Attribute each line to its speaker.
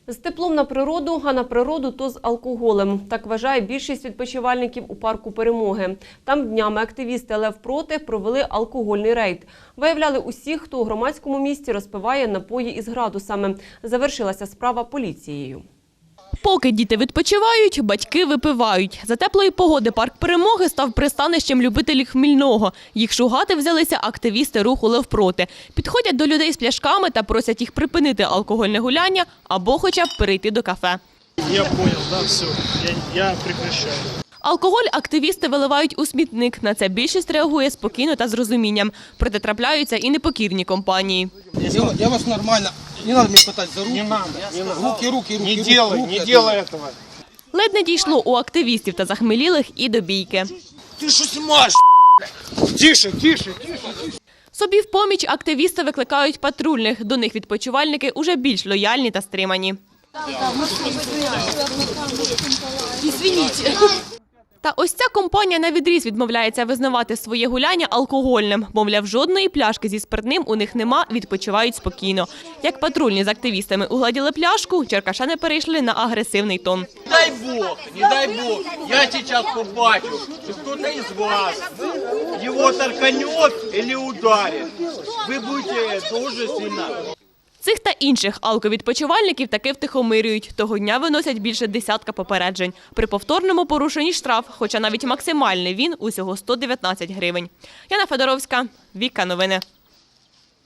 Speaker 1: З теплом на природу, а на природу – то з алкоголем. Так вважає більшість відпочивальників у парку «Перемоги». Там днями активісти «Лев проти» провели алкогольний рейд. Виявляли усіх, хто у громадському місці розпиває напої із градусами. Завершилася справа поліцією.
Speaker 2: Поки діти відпочивають, батьки випивають. За теплої погоди парк «Перемоги» став пристанищем любителів хмільного. Їх шугати взялися активісти руху «Лев проти». Підходять до людей з пляшками та просять їх припинити алкогольне гуляння або хоча б перейти до кафе.
Speaker 3: Я понял, да, все, я прекращаю.
Speaker 2: Алкоголь активісти виливають у смітник. На це більшість реагує спокійно та з розумінням. Проте трапляються і непокірні компанії.
Speaker 4: Я вас нормально. Не надо меня пытать за руки.
Speaker 3: Не надо, не надо.
Speaker 4: Руки.
Speaker 3: Не делай этого.
Speaker 2: Ледь не дійшло у активістів та захмелілих і до бійки.
Speaker 3: Ты что снимаешь? Тише.
Speaker 2: Собі в поміч активісти викликають патрульних. До них відпочивальники уже більш лояльні та стримані. Та ось ця компанія навідріз відмовляється визнавати своє гуляння алкогольним. Мовляв, жодної пляшки зі спиртним у них нема, відпочивають спокійно. Як патрульні з активістами угладіли пляшку, черкашани перейшли на агресивний тон.
Speaker 5: Не дай бог, я сейчас побачу, что кто-то из вас его толканет или ударит. Вы будете тоже сильно.
Speaker 2: Цих та інших алковідпочивальників таки втихомирюють. Того дня виносять більше десятка попереджень. При повторному порушенні штраф, хоча навіть максимальний він усього 119 гривень. Яна Федоровська, Віка Новини.